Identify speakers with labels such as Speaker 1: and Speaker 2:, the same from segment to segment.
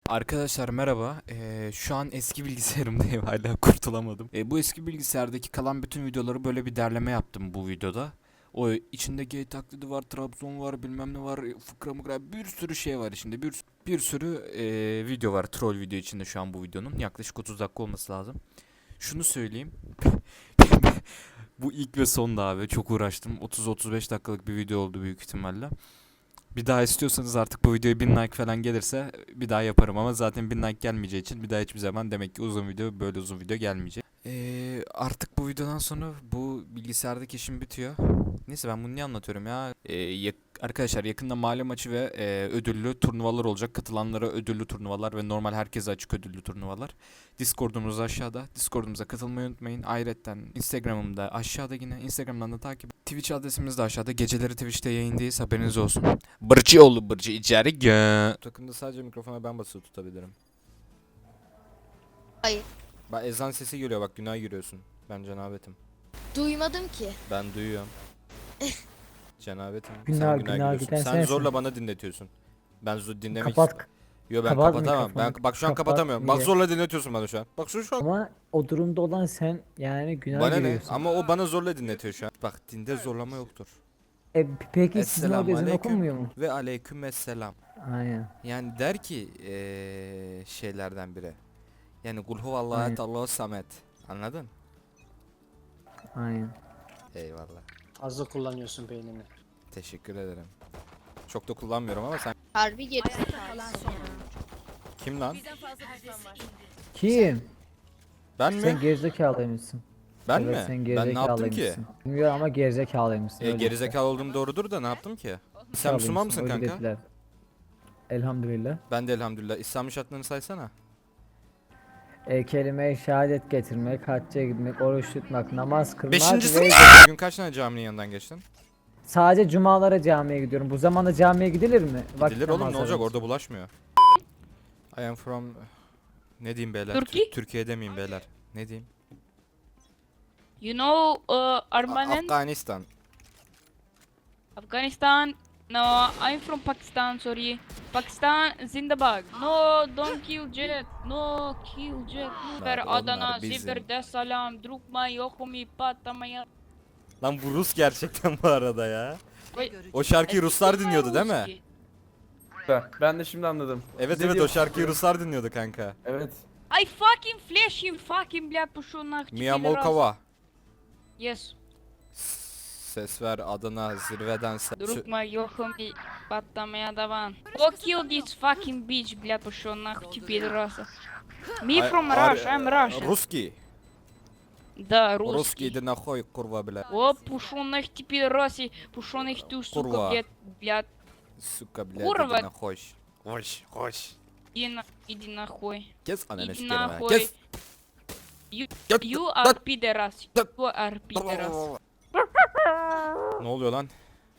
Speaker 1: Arkadaşlar merhaba. Şu an eski bilgisayarımdayım hala kurtulamadım. Bu eski bilgisayardaki kalan bütün videoları böyle bir derleme yaptım bu videoda. O içinde gay taklidi var, Trabzon var, bilmem ne var, fıkra mıkra bir sürü şey var içinde. Bir sürü video var, troll video içinde şu an bu videonun. Yaklaşık 30 dakika olması lazım. Şunu söyleyeyim. Bu ilk ve son da abi. Çok uğraştım. 30-35 dakikalık bir video oldu büyük ihtimalle. Bir daha istiyorsanız artık bu videoya 1000 like falan gelirse bir daha yaparım ama zaten 1000 like gelmeyeceği için bir daha hiçbir zaman demek ki uzun video böyle uzun video gelmeyecek. Artık bu videodan sonra bu bilgisayardaki işim bitiyor. Neyse ben bunu niye anlatıyorum ya? Arkadaşlar yakında mahalle maçı ve ödüllü turnuvalar olacak. Katılanlara ödüllü turnuvalar ve normal herkese açık ödüllü turnuvalar. Discord'umuz aşağıda. Discord'umuza katılmayı unutmayın. Ayrıca Instagram'ım da aşağıda yine. Instagram'dan da takip. Twitch adresimiz de aşağıda. Geceleri Twitch'te yayındayız. Haberiniz olsun. Bırcıoğlu bırcı içeri gö. Takımda sadece mikrofona ben basılı tutabilirim.
Speaker 2: Hayır.
Speaker 1: Bak ezan sesi geliyor, bak günah giriyorsun. Ben cenabetim.
Speaker 2: Duymadım ki.
Speaker 1: Ben duyuyorum. Cenabetim.
Speaker 3: Günah-
Speaker 1: Sen
Speaker 3: günah
Speaker 1: giriyorsun.
Speaker 3: giden
Speaker 1: Sen
Speaker 3: sensin.
Speaker 1: zorla bana dinletiyorsun. Ben dinlemek
Speaker 3: Kapat.
Speaker 1: Yo ben
Speaker 3: kapat
Speaker 1: kapatamam. Ben
Speaker 3: mikrofonu.
Speaker 1: bak şu an
Speaker 3: Kapat,
Speaker 1: kapatamıyorum. Bak
Speaker 3: niye?
Speaker 1: zorla dinletiyorsun bana şu an. Bak şu an.
Speaker 3: Ama o durumda olan sen yani günah
Speaker 1: Bana ne?
Speaker 3: giriyorsun.
Speaker 1: Ama o bana zorla dinletiyor şu an. Bak dinde zorlama yoktur.
Speaker 3: Peki sizin
Speaker 1: Esselamu
Speaker 3: orada ezan
Speaker 1: aleyküm
Speaker 3: okunmuyor mu?
Speaker 1: ve aleykümesselam.
Speaker 3: Aynen.
Speaker 1: Yani der ki şeylerden biri. Yani kul huvallahu
Speaker 3: Aynen.
Speaker 1: et Allahu samet. Anladın?
Speaker 3: Aynen.
Speaker 1: Eyvallah.
Speaker 4: Fazla kullanıyorsun beynini.
Speaker 1: Teşekkür ederim. Çok da kullanmıyorum ama sen
Speaker 2: Harbi gerizekalı.
Speaker 1: kim lan?
Speaker 3: Kim?
Speaker 1: Ben mi?
Speaker 3: Sen gerizekalıymışsın.
Speaker 1: Ben
Speaker 3: Evet,
Speaker 1: mi?
Speaker 3: sen
Speaker 1: Ben ne yaptım ki?
Speaker 3: gerizekalıymışsın. Bilmiyorum ama gerizekalıymışsın. öyle
Speaker 1: Gerizekalı olduğum doğrudur da ne yaptım ki? Sen Müslüman mısın
Speaker 3: öyle
Speaker 1: kanka?
Speaker 3: dediler. Elhamdülillah.
Speaker 1: Ben de elhamdülillah. İslam'ın şartlarını saysana.
Speaker 3: Kelime-i şehadet getirmek, hacca gitmek, oruç tutmak, namaz kılmak
Speaker 1: Beşincisi
Speaker 3: ve
Speaker 1: bugün kaç tane caminin yanından geçtin?
Speaker 3: sadece cumalara camiye gidiyorum. Bu zamanda camiye gidilir mi? Vakit
Speaker 1: Gidilir oğlum, ne
Speaker 3: namazları
Speaker 1: olacak,
Speaker 3: için.
Speaker 1: orada bulaşmıyor. I am from... Ne diyeyim beyler?
Speaker 5: Turkey?
Speaker 1: Türkiye demeyeyim beyler. Ne diyeyim?
Speaker 5: You know Armanen?
Speaker 1: Afganistan.
Speaker 5: Afghanistan? No, I'm from Pakistan, sorry. Pakistan Zindabad. No, don't kill Jet. No, kill Jet. Ver
Speaker 1: onlar
Speaker 5: Adana,
Speaker 1: bizim.
Speaker 5: Zibir'de salam, drukma, yokumi, patlamaya.
Speaker 1: Lan bu Rus gerçekten bu arada ya.
Speaker 5: Vay,
Speaker 1: O şarkıyı Ruslar dinliyordu değil mi?
Speaker 5: Ruski.
Speaker 6: Ben de şimdi anladım.
Speaker 1: Evet
Speaker 6: Ne
Speaker 1: evet, o
Speaker 6: diyorsun?
Speaker 1: şarkıyı Ruslar dinliyordu kanka.
Speaker 6: Evet.
Speaker 5: I fucking flash him, fucking bля пошёл нахуй.
Speaker 1: Mia Molkova.
Speaker 5: Yes.
Speaker 1: Ses ver Adana zirveden
Speaker 5: Drukma, yokumi, patlamaya davan. Go kill this fucking bitch, бля пошёл нахуй, ты пидораса. Me from Russia, I'm Russian.
Speaker 1: Ruski.
Speaker 5: Да,
Speaker 1: Ruski
Speaker 5: русский.
Speaker 1: de nahoy kurva bile.
Speaker 5: О, пушёных ты пидораси, пушёных ты, сука,
Speaker 1: Курва.
Speaker 5: блядь,
Speaker 1: Suka bile
Speaker 5: Kurva.
Speaker 1: de nahoy. Hoş hoş.
Speaker 5: иди нахуй.
Speaker 1: Kes ananı
Speaker 5: Иди
Speaker 1: sikerim ha.
Speaker 5: нахуй.
Speaker 1: Kes.
Speaker 5: You are pidorас. You are pidorас.
Speaker 1: Ne oluyor lan?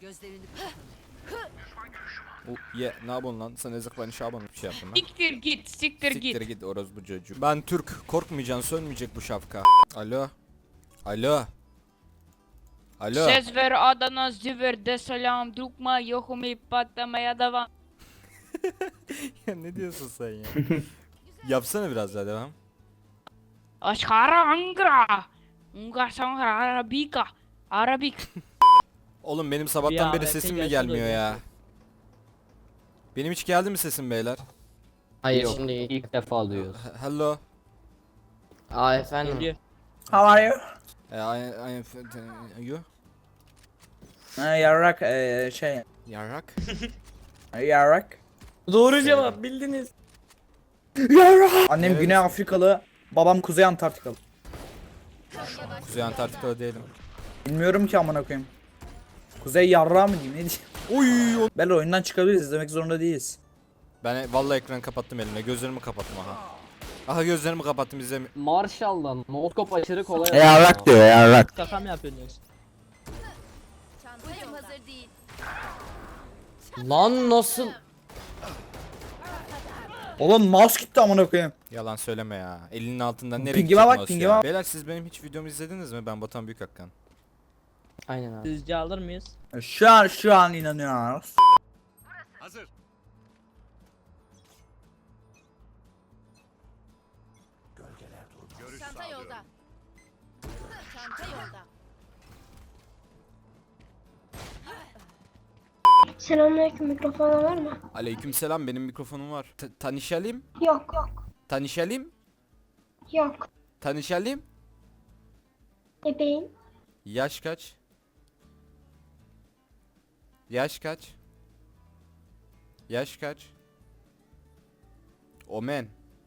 Speaker 1: Ye ne yapıyorsun lan? Sen eziklerini şaban bir şey yaptın lan.
Speaker 5: Siktir git, siktir
Speaker 1: Siktir
Speaker 5: git.
Speaker 1: git orospu çocuğu. Ben Türk. Korkmayacaksın, sönmeyecek bu şapka. Alo. Alo. Alo.
Speaker 5: Ses ver Adana, Zibir'de salam, drukma, yokumi, patlamaya davan.
Speaker 1: Ya ne diyorsun sen ya? Yapsana biraz daha devam.
Speaker 5: Aşkara Ankara. Ungar Sankara Arabika. Arabik.
Speaker 1: Oğlum benim sabahtan beri sesim mi gelmiyor ya? Benim hiç geldi mi sesim beyler?
Speaker 7: Hayır
Speaker 6: Yok.
Speaker 7: şimdi ilk defa duyuyoruz.
Speaker 1: Hello.
Speaker 7: Aa efendim.
Speaker 6: How are you?
Speaker 1: I am you?
Speaker 6: Yarrak şey.
Speaker 1: Yarrak.
Speaker 6: Yarrak.
Speaker 7: Doğru
Speaker 1: cevap,
Speaker 7: bildiniz.
Speaker 6: Yarrak. Annem
Speaker 1: Evet.
Speaker 6: Güney Afrikalı, babam Kuzey Antarktikalı.
Speaker 1: Kuzey Antarktika'da değilim.
Speaker 6: Bilmiyorum ki amına koyayım. Kuzey yarrağı mı diyeyim ne diyeyim?
Speaker 1: Oy.
Speaker 6: Belli oyundan çıkabiliriz, izlemek zorunda değiliz.
Speaker 1: Ben vallahi ekranı kapattım elimle. Gözlerimi kapattım aha. Aha gözlerimi kapattım, izlemi.
Speaker 7: Marshall'dan notkop aşırı kolay.
Speaker 6: Yarrak diyor yarrak.
Speaker 7: Şaka mı yapıyorsunuz?
Speaker 2: Çantayım hazır değil.
Speaker 7: Lan nasıl?
Speaker 6: Oğlum mouse gitti amına koyayım.
Speaker 1: Yalan söyleme ya. Elinin altından nereye
Speaker 6: Pingime
Speaker 1: gidecek
Speaker 6: bak,
Speaker 1: mouse
Speaker 6: pingime
Speaker 1: ya?
Speaker 6: bak.
Speaker 1: Beyler siz benim hiç videomu izlediniz mi? Ben Batuhan Büyükakkan.
Speaker 7: Aynen abi.
Speaker 8: Sizce alır mıyız?
Speaker 6: Şu an inanıyoruz.
Speaker 2: Çanta yolda. Çanta yolda.
Speaker 8: Selamünaleyküm, mikrofon var mı?
Speaker 1: Aleykümselam, benim mikrofonum var. Tanışalım.
Speaker 8: Yok.
Speaker 1: Tanışalım.
Speaker 8: Yok.
Speaker 1: Tanışalım.
Speaker 8: Bebeğim.
Speaker 1: Yaş kaç? Yaş kaç? Yaş kaç? Omen.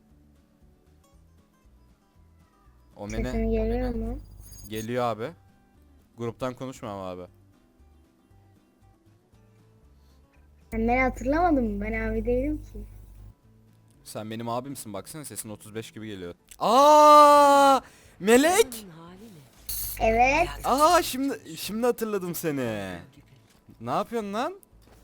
Speaker 1: Omen'e
Speaker 8: Sesin geliyor mu?
Speaker 1: geliyor abi. Gruptan konuşma ama abi.
Speaker 8: Sen beni hatırlamadın mı? Ben abi değilim ki.
Speaker 1: Sen benim abimsin, baksana sesin 35 gibi geliyor. Aa! Melek!
Speaker 8: Evet.
Speaker 1: Aa, şimdi hatırladım seni. Ne yapıyorsun lan?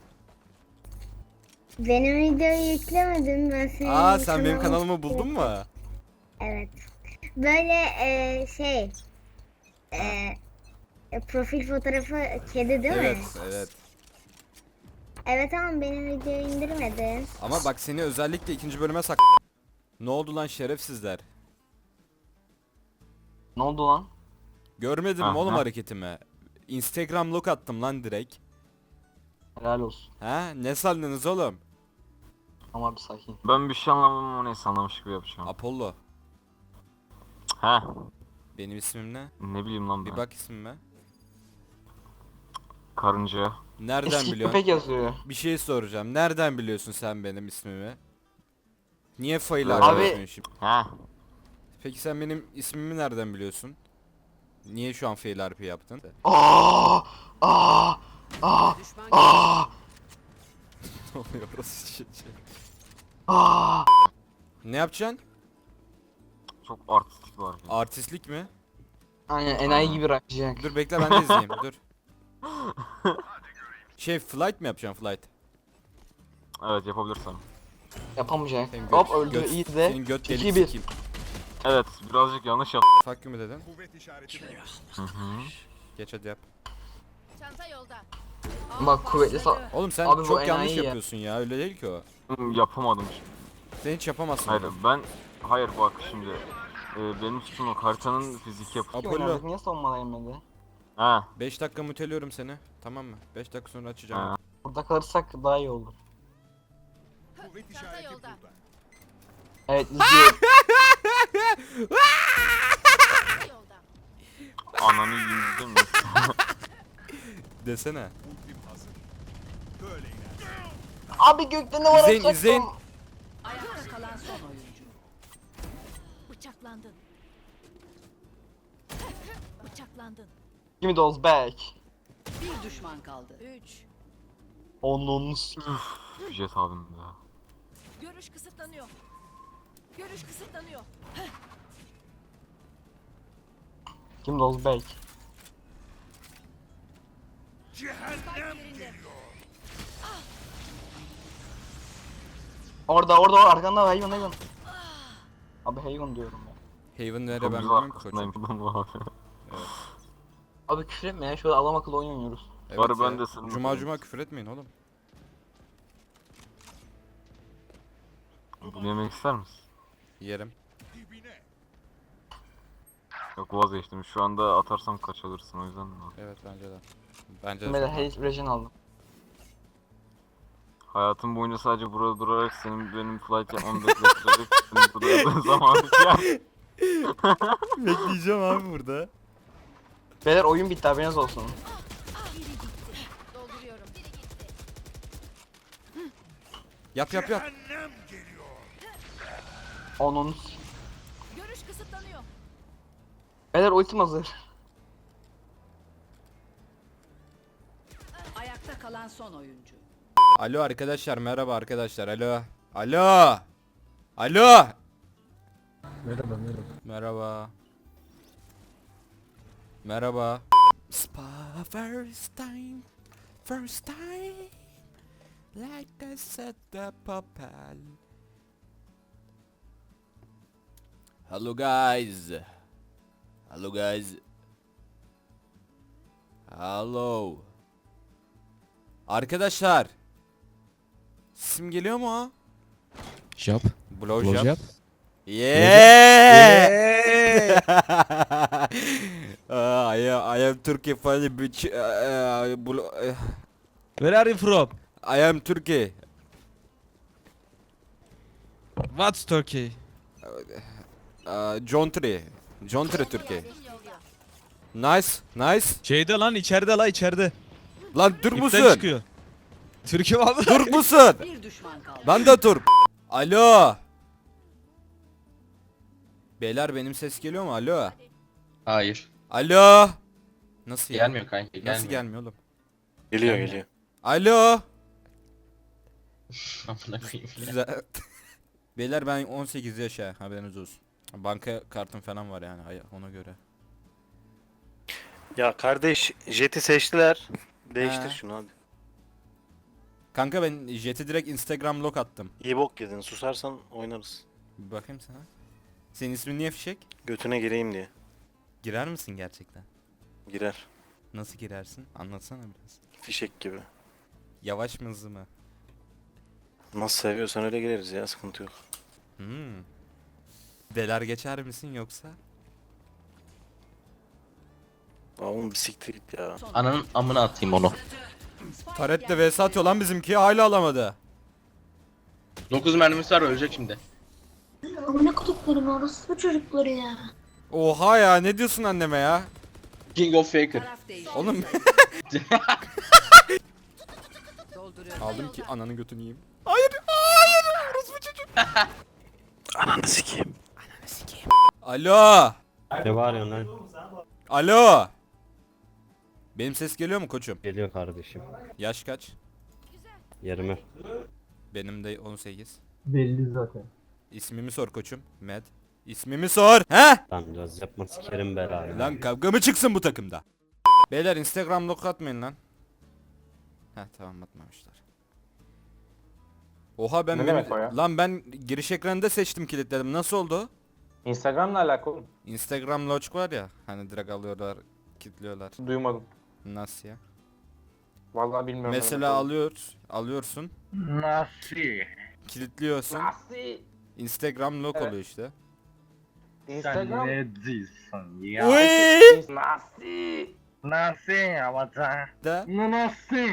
Speaker 8: Benim videoyu yüklemedim. Ben senin
Speaker 1: Aa, sen benim
Speaker 8: kanalını
Speaker 1: kanalımı buldun mu?
Speaker 8: Evet. Böyle profil fotoğrafı kedi değil
Speaker 1: Evet,
Speaker 8: mi?
Speaker 1: evet.
Speaker 8: Evet ama benim videoyu indirmedin.
Speaker 1: Ama bak, seni özellikle ikinci bölüme sak... Ne oldu lan şerefsizler?
Speaker 7: Ne oldu lan?
Speaker 1: Görmedin mi
Speaker 9: Aha.
Speaker 1: oğlum hareketimi? Instagram look attım lan direkt.
Speaker 7: Helal olsun.
Speaker 1: Ha? Ne sandınız oğlum?
Speaker 7: Ama bir sakin.
Speaker 9: Ben bir şey anlamadım ama neyse anlamış gibi yapacağım.
Speaker 1: Apollo.
Speaker 9: He.
Speaker 1: Benim ismim ne?
Speaker 9: Ne bileyim lan
Speaker 1: Bir
Speaker 9: ben.
Speaker 1: bak ismime.
Speaker 9: Karınca.
Speaker 1: Nereden
Speaker 7: Eski
Speaker 1: biliyorsun?
Speaker 7: köpek yazıyor.
Speaker 1: Bir şey soracağım. Nereden biliyorsun sen benim ismimi? Niye fail
Speaker 9: Abi-
Speaker 1: arıyorsun şimdi?
Speaker 9: He.
Speaker 1: Peki sen benim ismimi nereden biliyorsun? Niye şu an fail RP yaptın?
Speaker 7: Aa! Aa! Aa! Aa!
Speaker 1: Ne oluyor orası şey?
Speaker 7: Aa!
Speaker 1: Ne yapacaksın?
Speaker 9: Çok artistik var.
Speaker 1: Artistlik mi?
Speaker 7: Aynen enayi gibi rakacak.
Speaker 1: Dur bekle, ben de izleyeyim. Dur. Flight mi yapacaksın, flight?
Speaker 9: Evet, yapabilirsem.
Speaker 7: Yapamayacak.
Speaker 1: Senin
Speaker 7: Hop öldü
Speaker 1: göt-
Speaker 7: iyi de.
Speaker 1: Senin göt delik
Speaker 7: 2-1.
Speaker 1: sikeyim.
Speaker 9: Evet, birazcık yanlış yap.
Speaker 1: Fuck you mu dedin?
Speaker 9: Hı hı.
Speaker 1: Geç hadi yap.
Speaker 2: Çanta yolda.
Speaker 7: Bak kuvvetli
Speaker 1: Oğlum sen
Speaker 7: Abi bu
Speaker 1: çok yanlış
Speaker 7: enayi ya.
Speaker 1: yapıyorsun ya. Öyle değil ki o.
Speaker 9: Yapamadım.
Speaker 1: Sen hiç yapamazsın.
Speaker 9: Hayır
Speaker 1: oğlum.
Speaker 9: hayır bak şimdi. Benim suçum yok. Haritanın fizik yapısı.
Speaker 1: Apollo.
Speaker 7: Niye savunmada inmedi?
Speaker 9: He.
Speaker 1: 5 dakika muteliyorum seni. Tamam mı? 5 dakika sonra açacağım.
Speaker 9: Ha.
Speaker 7: Burada kalırsak daha iyi olur.
Speaker 2: Çanta yolda.
Speaker 7: Evet izliyorum.
Speaker 2: Çanta yolda.
Speaker 9: Ananı yiyeyim değil mi?
Speaker 1: Desene.
Speaker 7: Abi gökte ne var
Speaker 1: İzleyin,
Speaker 7: atacaktım.
Speaker 1: izleyin.
Speaker 2: Ayakta kalan son oyuncu. Bıçaklandın. Bıçaklandın.
Speaker 7: Give me those back.
Speaker 2: Bir düşman kaldı. 3.
Speaker 7: Onun
Speaker 9: Jet abim ya.
Speaker 2: Görüş kısıtlanıyor. Görüş kısıtlanıyor.
Speaker 7: Give me those back.
Speaker 2: Yerinde.
Speaker 7: Orada arkanda hayvan. Abi hayvan diyorum ya.
Speaker 1: Haven nerede
Speaker 9: Çok
Speaker 1: ben
Speaker 9: güzel
Speaker 1: bilmiyorum ki
Speaker 9: arkasındayım
Speaker 1: koçum.
Speaker 9: bu abi.
Speaker 7: Abi küfür etme ya şöyle adam akıllı oyun oynuyoruz.
Speaker 1: Evet
Speaker 9: ben
Speaker 1: ya.
Speaker 9: de senin
Speaker 1: Cuma
Speaker 9: oğlum.
Speaker 1: cuma küfür etmeyin oğlum.
Speaker 9: Bunu yemek ister misin?
Speaker 1: Yerim.
Speaker 9: Yok, vazgeçtim. Şu anda atarsam kaç alırsın o yüzden.
Speaker 1: Evet bence de. Bence
Speaker 7: Ben
Speaker 1: de.
Speaker 7: de
Speaker 1: çok
Speaker 7: Hayes Regen aldım.
Speaker 9: Hayatım boyunca sadece burada durarak senin benim flight yapmamı bekletirerek senin burada yaptığın zaman ya.
Speaker 1: Bekleyeceğim abi burada.
Speaker 7: Beyler oyun bitti haberiniz olsun.
Speaker 2: Dolduruyorum.
Speaker 1: Yap.
Speaker 7: Onun.
Speaker 2: Görüş kısıtlanıyor.
Speaker 7: Beyler ultim hazır.
Speaker 2: Ayakta kalan son oyuncu.
Speaker 1: Alo arkadaşlar, merhaba arkadaşlar. Alo. Merhaba. Merhaba. First time, like I said the papal. Hello guys. Hello. Arkadaşlar. Sesim geliyor mu?
Speaker 10: Job.
Speaker 1: Blowjob.
Speaker 10: Blowjob.
Speaker 1: Yeah. I am Turkey funny bitch.
Speaker 10: Where are you from?
Speaker 1: I am Turkey.
Speaker 10: What's Turkey?
Speaker 1: John Tree. John Tree Türkiye. Nice, nice.
Speaker 10: Şeyde lan içeride la içeride.
Speaker 1: Lan Türk
Speaker 10: İpten
Speaker 1: musun?
Speaker 10: çıkıyor. Türkiye vallahi.
Speaker 1: Türk musun?
Speaker 2: Bir düşman kaldı.
Speaker 1: Ben de Türk. Alo. Beyler benim ses geliyor mu? Alo.
Speaker 7: Hayır.
Speaker 1: Alo. Nasıl ya?
Speaker 7: Gelmiyor kanka gelmiyor.
Speaker 1: Nasıl gelmiyor oğlum?
Speaker 4: Geliyor geliyor.
Speaker 1: Alo.
Speaker 7: Amına koyayım.
Speaker 1: Güzel. Beyler ben 18 yaşa haberiniz olsun. Banka kartım falan var yani ona göre.
Speaker 4: Ya kardeş Jet'i seçtiler. Değiştir
Speaker 1: He.
Speaker 4: şunu hadi.
Speaker 1: Kanka ben Jet'i direkt Instagram log attım.
Speaker 4: İyi bok yedin. Susarsan oynarız.
Speaker 1: Bir bakayım sana. Senin ismin niye fişek?
Speaker 4: Götüne gireyim diye.
Speaker 1: Girer misin gerçekten?
Speaker 4: Girer.
Speaker 1: Nasıl girersin? Anlatsana biraz.
Speaker 4: Fişek gibi.
Speaker 1: Yavaş mı hızlı mı?
Speaker 4: Nasıl seviyorsan öyle gireriz ya, sıkıntı yok.
Speaker 1: Deler geçer misin yoksa?
Speaker 4: Oğlum bir siktir git ya.
Speaker 7: Ananın amına atayım onu.
Speaker 1: Taret'te vs atıyor lan bizimki hala alamadı.
Speaker 7: 9 mermisi var ölecek şimdi.
Speaker 8: Amına koduklarım orası çocukları ya.
Speaker 1: Oha ya ne diyorsun anneme ya?
Speaker 7: King of Faker.
Speaker 2: Taraf değişti.
Speaker 1: Oğlum
Speaker 2: Dolduruyorum.
Speaker 1: aldım ki ananın götünü yiyeyim.
Speaker 4: Ananı sikeyim.
Speaker 1: Alo.
Speaker 11: Ne bağırıyorsun lan?
Speaker 1: Alo. Benim ses geliyor mu koçum?
Speaker 11: Geliyor kardeşim.
Speaker 1: Yaş kaç?
Speaker 11: 20.
Speaker 1: Benim de 18.
Speaker 3: Belli zaten.
Speaker 1: İsmimi sor koçum. Med. İsmimi sor. He?
Speaker 11: Lan göz yapma sikerim belanı.
Speaker 1: Lan kavga mı çıksın bu takımda? Beyler Instagram log atmayın lan. Heh tamam atmamışlar. Oha ben
Speaker 9: Ne demek o ya?
Speaker 1: lan ben giriş ekranında seçtim kilitledim. Nasıl oldu?
Speaker 9: Instagram'la alakalı.
Speaker 1: Instagram log var ya hani direkt alıyorlar, kilitliyorlar.
Speaker 9: Duymadım.
Speaker 1: Nasıl ya?
Speaker 9: Vallahi bilmiyorum.
Speaker 1: Mesela alıyorsun,
Speaker 10: Nasıl?
Speaker 1: kilitliyorsun. Instagram log oluyor işte.
Speaker 9: Instagram.
Speaker 10: diyorsun ya?
Speaker 1: Uy!
Speaker 9: Nasıl?
Speaker 10: Nasıl yapacağım?
Speaker 1: Da.
Speaker 10: Nasıl?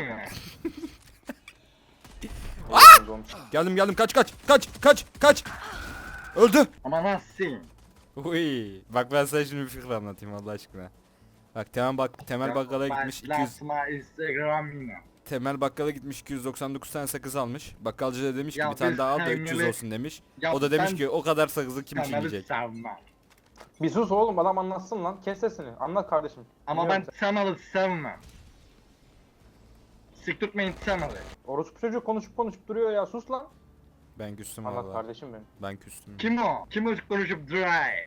Speaker 1: Geldim kaç. Öldü.
Speaker 10: Ama nasıl?
Speaker 1: Uy. Bak ben sana şimdi bir fikir anlatayım Allah aşkına. Bak Temel bakkala gitmiş 200
Speaker 10: Instagram'ına.
Speaker 1: Temel bakkala gitmiş 299 tane sakız almış. Bakkalcı da demiş ki
Speaker 10: Ya
Speaker 1: bir tane
Speaker 10: biz
Speaker 1: daha al da
Speaker 10: Temel'i-
Speaker 1: 300 olsun demiş.
Speaker 10: Ya
Speaker 1: O da demiş
Speaker 10: ben
Speaker 1: ki o kadar sakızı kim çiğneyecek?
Speaker 10: sevmem.
Speaker 9: Bir sus oğlum, adam anlatsın lan. Kes sesini. Anlat kardeşim.
Speaker 10: Ama ben Temel'i sevmem. Sik tutmayın Temel'i.
Speaker 9: Orospu çocuk konuşup duruyor ya. Sus lan.
Speaker 1: Ben küstüm
Speaker 9: Anlat
Speaker 1: valla.
Speaker 9: kardeşim benim.
Speaker 1: Ben küstüm.
Speaker 10: Kim o? Kim o konuşup duray?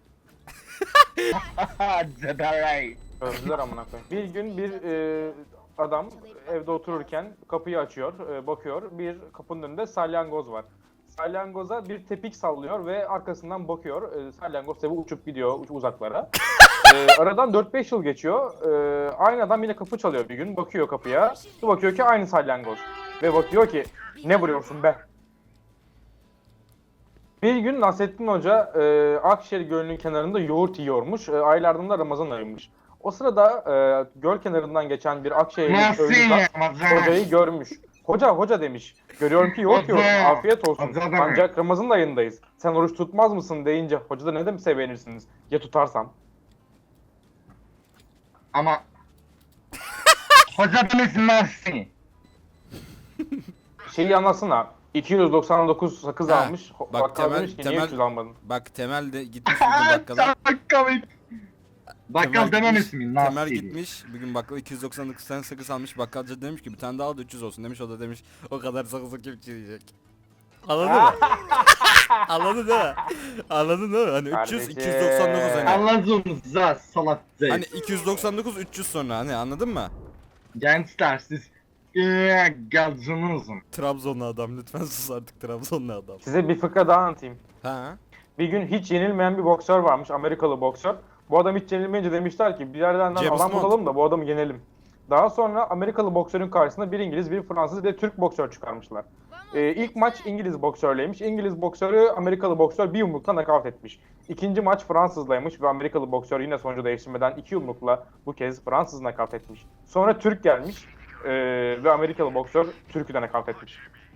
Speaker 10: Ceberay.
Speaker 9: Öldüler amına koyayım. Bir gün bir adam evde otururken kapıyı açıyor, bakıyor. Bir kapının önünde salyangoz var. Salyangoza bir tepik sallıyor ve arkasından bakıyor. Salyangoz tabi uçup gidiyor uzaklara. Aradan 4-5 yıl geçiyor. Aynı adam yine kapı çalıyor bir gün. Bakıyor kapıya. Bir bakıyor ki aynı salyangoz. Ve bakıyor ki ne vuruyorsun be? Bir gün Nasrettin Hoca Akşehir Gölü'nün kenarında yoğurt yiyormuş. Aylardan da Ramazan ayıymış. O sırada göl kenarından geçen bir Akşehirli
Speaker 10: Nasıl
Speaker 9: köylü zat
Speaker 10: yapacağım?
Speaker 9: hocayı görmüş. Hoca demiş. Görüyorum ki yoğurt yiyorsun.
Speaker 10: Hoca!
Speaker 9: Afiyet olsun.
Speaker 10: Hoca demek.
Speaker 9: Ancak Ramazan ayındayız. Sen oruç tutmaz mısın deyince hoca da ne demiş beğenirsiniz? Ya tutarsam?
Speaker 10: Ama hoca demiş nasıl?
Speaker 9: Şeyi anlatsana. 299 sakız
Speaker 1: Ha,
Speaker 9: almış.
Speaker 1: bak
Speaker 9: Bakkal demiş ki niye 300 almadın?
Speaker 1: Bak Temel de gitmiş bugün bakkala.
Speaker 10: Çok komik. Bakkal demem ismi nasıl?
Speaker 1: Temel gitmiş bugün bakkala 299 tane sakız almış. Bakkalcı demiş ki bir tane daha al da 300 olsun demiş. O da demiş o kadar sakızı kim çiğneyecek? Anladın mı? Anladın değil mi? Anladın değil mi? Hani 300
Speaker 9: Kardeşim.
Speaker 1: 299 hani.
Speaker 10: Anladınız za salak değil.
Speaker 1: Hani 299 300 sonra hani anladın mı?
Speaker 10: Gençler siz gazınızın.
Speaker 1: Trabzonlu adam lütfen sus artık Trabzonlu adam.
Speaker 9: Size bir fıkra daha anlatayım.
Speaker 1: Ha?
Speaker 9: Bir gün hiç yenilmeyen bir boksör varmış, Amerikalı boksör. Bu adam hiç yenilmeyince demişler ki bir yerden
Speaker 1: James
Speaker 9: adam
Speaker 1: Bond.
Speaker 9: bulalım da bu adamı yenelim. Daha sonra Amerikalı boksörün karşısına bir İngiliz, bir Fransız, bir de Türk boksör çıkarmışlar. İlk maç İngiliz boksörleymiş. İngiliz boksörü Amerikalı boksör bir yumrukla nakavt etmiş. İkinci maç Fransızlaymış ve Amerikalı boksör yine sonucu değiştirmeden 2 yumrukla bu kez Fransız nakavt etmiş. Sonra Türk gelmiş ve Amerikalı boksör Türk'ü de nakavt etmiş.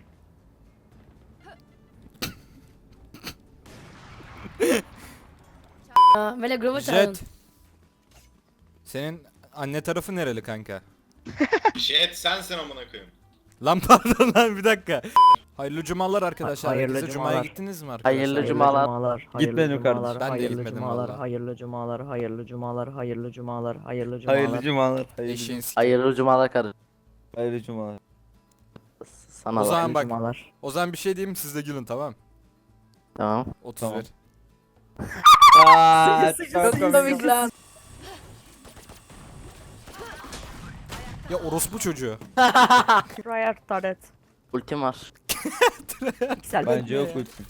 Speaker 8: Böyle grubu
Speaker 1: Jet. Senin anne tarafı nereli kanka?
Speaker 4: Jet sensin amına koyayım.
Speaker 1: Lan pardon lan, bir dakika. Hayırlı cumalar arkadaşlar.
Speaker 3: Hayırlı
Speaker 1: Herkese Cuma'ya
Speaker 3: cumalar.
Speaker 1: gittiniz mi arkadaşlar?
Speaker 7: Hayırlı cumalar.
Speaker 3: Gitmedim
Speaker 1: kardeşim. Ben de gitmedim valla.
Speaker 3: Hayırlı cumalar, hayırlı cumalar, hayırlı cumalar, hayırlı
Speaker 6: Hayırlı cumalar.
Speaker 1: Eşeğin s-
Speaker 7: Hayırlı cumalar kardeşim.
Speaker 6: Hayırlı cumalar.
Speaker 7: Sana
Speaker 1: O
Speaker 7: bak.
Speaker 1: zaman bak.
Speaker 3: cumalar.
Speaker 1: O zaman bir şey diyeyim mi, siz de gülün, tamam.
Speaker 7: Tamam.
Speaker 1: 31.
Speaker 6: Tamam.
Speaker 1: Ya orospu çocuğu.
Speaker 3: Rayar taret.
Speaker 7: Ultim var.
Speaker 3: Güzel.
Speaker 6: Bence yok ultim.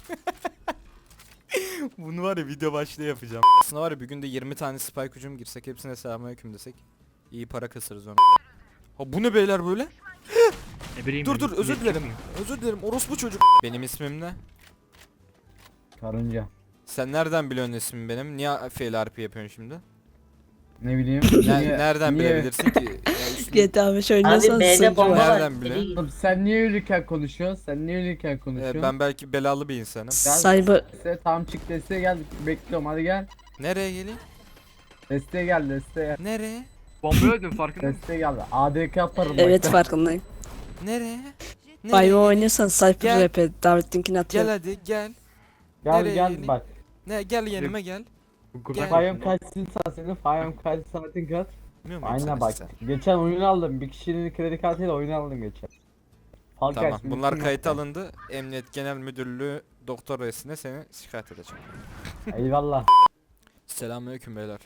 Speaker 1: Bunu var ya video başlığı yapacağım. Aslında var ya bir günde 20 tane spike hücum girsek, hepsine selamünaleyküm desek iyi para kasarız onu. Ha bu ne beyler böyle? Dur özür dilerim. Özür dilerim orospu çocuk. Benim ismim ne?
Speaker 6: Karınca.
Speaker 1: Sen nereden biliyorsun ismimi benim? Niye fail RP yapıyorsun şimdi?
Speaker 6: Ne bileyim.
Speaker 1: Nereden bilebilirsin ki? Ya üstüne-
Speaker 8: GTA 5 oynuyorsan
Speaker 1: Nereden biliyorsun?
Speaker 6: Oğlum sen niye ölürken konuşuyorsun? Sen niye ölürken konuşuyorsun?
Speaker 1: Ben belki belalı bir insanım.
Speaker 8: Cyber
Speaker 6: Desteğe tam çık desteğe gel. Bekliyorum hadi gel.
Speaker 1: Nereye geleyim?
Speaker 6: Desteğe gel desteğe.
Speaker 1: Nereye?
Speaker 10: Bomba öldüm farkında mısın?
Speaker 6: Desteğe gel. ADK yaparım.
Speaker 8: evet
Speaker 6: bak.
Speaker 8: farkındayım.
Speaker 1: Nereye?
Speaker 8: Bayva oynuyorsan Cyber
Speaker 1: Gel.
Speaker 8: rap'e davet linkini
Speaker 1: Gel
Speaker 8: atıyorum.
Speaker 1: hadi gel.
Speaker 6: Gel
Speaker 1: Nereye
Speaker 6: gel
Speaker 1: geleyim?
Speaker 6: bak.
Speaker 1: Ne gel yanıma gel. Gel.
Speaker 6: Fayam kaç saat senin? Fayam kaç saatin kaç?
Speaker 1: Bilmiyor musun
Speaker 6: Aynen
Speaker 1: sen
Speaker 6: bak.
Speaker 1: sen?
Speaker 6: Geçen oyun aldım. Bir kişinin kredi kartıyla oyun aldım geçen. Halk
Speaker 1: Tamam.
Speaker 6: açsın,
Speaker 1: Bunlar
Speaker 6: bütün
Speaker 1: kayıt
Speaker 6: nokta.
Speaker 1: alındı. Emniyet Genel Müdürlüğü doktor reisine seni şikayet edeceğim.
Speaker 6: Eyvallah.
Speaker 1: Selamünaleyküm beyler.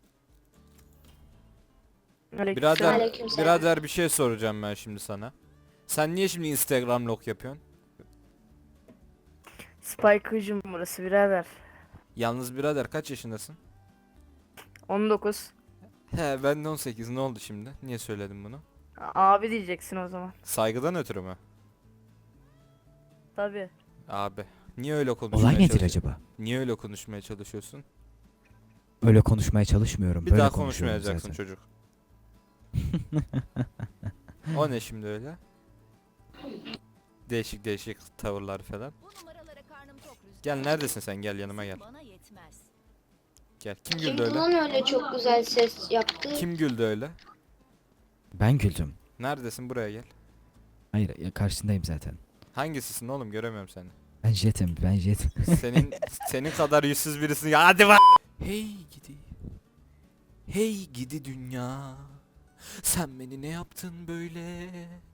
Speaker 3: Aleykümselam.
Speaker 1: Birader bir şey soracağım ben şimdi sana. Sen niye şimdi Instagram log yapıyorsun?
Speaker 3: Spike hücum burası birader.
Speaker 1: Yalnız birader kaç yaşındasın?
Speaker 3: 19.
Speaker 1: He ben de 18, ne oldu şimdi? Niye söyledim bunu?
Speaker 3: Abi diyeceksin o zaman.
Speaker 1: Saygıdan ötürü mü?
Speaker 3: Tabii.
Speaker 1: Abi. Niye öyle konuşmaya çalışıyorsun?
Speaker 12: acaba?
Speaker 1: Niye öyle konuşmaya çalışıyorsun?
Speaker 12: Öyle konuşmaya çalışmıyorum.
Speaker 1: Bir daha konuşmayacaksın çocuk. O ne şimdi öyle? Değişik değişik tavırlar falan. Gel neredesin sen, gel yanıma gel. Gel. Kim güldü öyle?
Speaker 8: öyle çok güzel ses yaptı?
Speaker 1: Kim güldü öyle?
Speaker 12: Ben güldüm.
Speaker 1: Neredesin, buraya gel.
Speaker 12: Hayır ya, karşındayım zaten.
Speaker 1: Hangisisin oğlum, göremiyorum seni.
Speaker 12: Ben jetim.
Speaker 1: Senin kadar yüzsüz birisin ya, hadi Hey gidi. Hey gidi dünya. Sen beni ne yaptın böyle?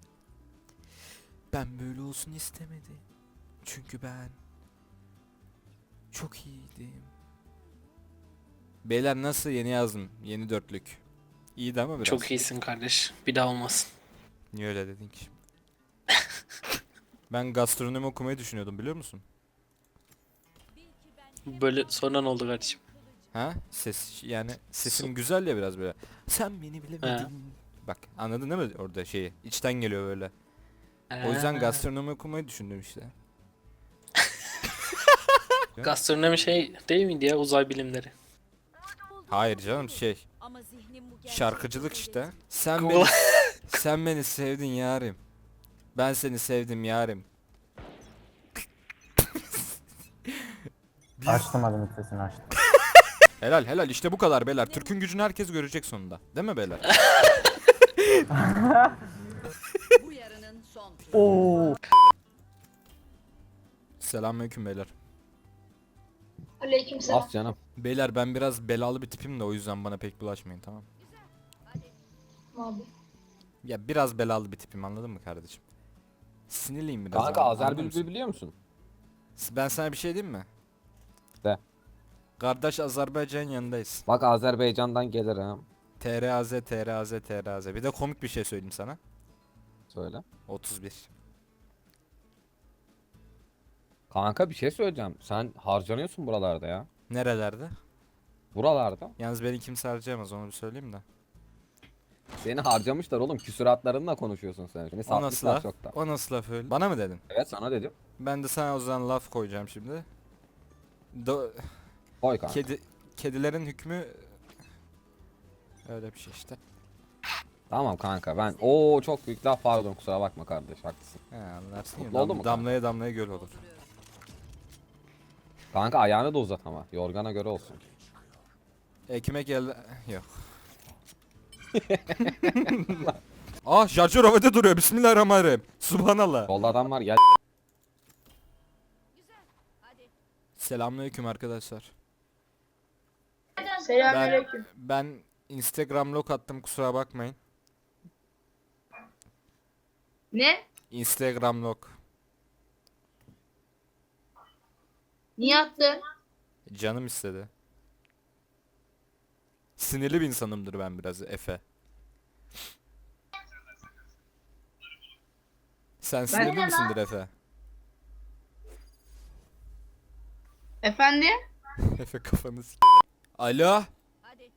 Speaker 1: Ben böyle olsun istemedim. Çünkü ben çok iyiydim. Beyler nasıl, yeni yazdım. Yeni dörtlük. İyiydi ama biraz.
Speaker 7: Çok iyisin kardeş. Bir daha olmasın.
Speaker 1: Niye öyle dedin ki şimdi? Ben gastronomi okumayı düşünüyordum, biliyor musun?
Speaker 7: Böyle sonra ne oldu kardeşim?
Speaker 1: Ha? Ses yani sesim güzel ya biraz böyle. Sen beni bilemedin. Bak anladın değil mi orada şeyi? İçten geliyor böyle. O yüzden gastronomi okumayı düşündüm işte.
Speaker 7: Gastronomi şey değil miydi ya, uzay bilimleri?
Speaker 1: Hayır canım şey. Şarkıcılık işte. Sen beni sevdin yarim. Ben seni sevdim yarim.
Speaker 6: Açtım hadi mikrofonu açtım.
Speaker 1: Helal işte bu kadar beyler. Türk'ün gücünü herkes görecek sonunda. Değil mi beyler?
Speaker 2: Bu yarının son turu.
Speaker 3: Oo.
Speaker 1: Selamünaleyküm beyler.
Speaker 8: Aleykümselam.
Speaker 10: As canım.
Speaker 1: Beyler ben biraz belalı bir tipim de o yüzden bana pek bulaşmayın, tamam.
Speaker 8: Abi.
Speaker 1: Ya biraz belalı bir tipim, anladın mı kardeşim? Sinirliyim biraz.
Speaker 10: Kanka
Speaker 1: anladın
Speaker 10: Azer
Speaker 1: mı?
Speaker 10: Bülbül biliyor musun?
Speaker 1: Ben sana bir şey diyeyim mi?
Speaker 10: De.
Speaker 1: Kardeş Azerbaycan yanındayız.
Speaker 10: Bak Azerbaycan'dan gelir ha.
Speaker 1: TRAZ. Bir de komik bir şey söyleyeyim sana.
Speaker 10: Söyle.
Speaker 1: 31.
Speaker 10: Kanka bir şey söyleyeceğim. Sen harcanıyorsun buralarda ya.
Speaker 1: Nerelerde?
Speaker 10: Buralarda.
Speaker 1: Yalnız beni kimse harcayamaz, onu bir söyleyeyim de.
Speaker 10: Seni harcamışlar oğlum. Küsuratlarınla konuşuyorsun sen. Seni
Speaker 1: O nasıl
Speaker 10: satmışlar
Speaker 1: laf?
Speaker 10: çoktan.
Speaker 1: O nasıl laf öyle? Bana mı dedin?
Speaker 10: Evet sana dedim.
Speaker 1: Ben de sana o zaman laf koyacağım şimdi.
Speaker 10: Koy kanka.
Speaker 1: Kedilerin hükmü öyle bir şey işte.
Speaker 10: Tamam kanka ben. Oo çok büyük laf, pardon kusura bakma kardeş, haklısın.
Speaker 1: He anlarsın ya.
Speaker 10: Mutlu oldun mu kanka?
Speaker 1: Damlaya damlaya göl olur.
Speaker 10: Kanka ayağını da uzat ama. Yorgana göre olsun.
Speaker 1: Kime geldi? Yok. Ah şarjör havada duruyor. Bismillahirrahmanirrahim. Subhanallah.
Speaker 10: Solda adam var, gel.
Speaker 1: Selamünaleyküm arkadaşlar.
Speaker 8: Selamünaleyküm.
Speaker 1: Ben Instagram log attım, kusura bakmayın.
Speaker 8: Ne?
Speaker 1: Instagram log.
Speaker 8: Niye attın?
Speaker 1: Canım istedi. Sinirli bir insanımdır ben biraz, Efe. Sen sinirli
Speaker 8: de
Speaker 1: misindir Efe?
Speaker 8: Efendim?
Speaker 1: Efe kafanı Alo?
Speaker 2: Hadi.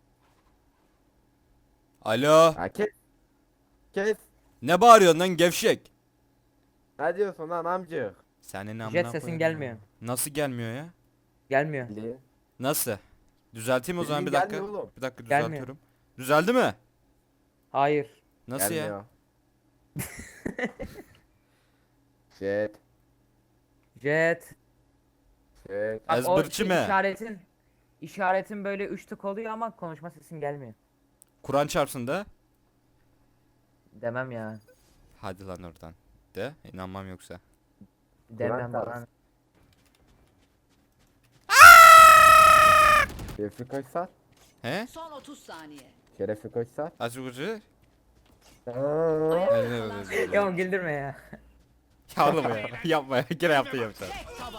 Speaker 1: Alo?
Speaker 7: Kes.
Speaker 1: Ne bağırıyorsun lan gevşek?
Speaker 7: Ne diyorsun lan amcık?
Speaker 1: Senin amına
Speaker 3: Jet sesin
Speaker 1: koyayım
Speaker 3: gelmiyor.
Speaker 1: ya. Nasıl gelmiyor ya?
Speaker 3: Gelmiyor.
Speaker 1: Nasıl? Düzelteyim o zaman bir dakika.
Speaker 7: Oğlum.
Speaker 1: Bir dakika
Speaker 3: Gelmiyor.
Speaker 1: düzeltiyorum. Düzeldi mi?
Speaker 3: Hayır.
Speaker 1: Nasıl ya?
Speaker 7: Jet.
Speaker 3: Jet.
Speaker 7: Jet.
Speaker 3: Bak, o
Speaker 1: Ezberçi mi?
Speaker 3: işaretin böyle 3 tık oluyor ama konuşma sesin gelmiyor.
Speaker 1: Kur'an çarpsın da.
Speaker 3: Demem ya.
Speaker 1: Hadi lan oradan. De inanmam yoksa.
Speaker 3: Demem
Speaker 7: Kur'an
Speaker 3: bana.
Speaker 7: Şerefi koysa.
Speaker 1: He?
Speaker 2: Son 30 saniye.
Speaker 7: Şerefi koysa.
Speaker 1: Açık ucu.
Speaker 3: Ya oğlum güldürme ya.
Speaker 1: Ya oğlum ya. Yapma ya. Gene yaptı yaptı.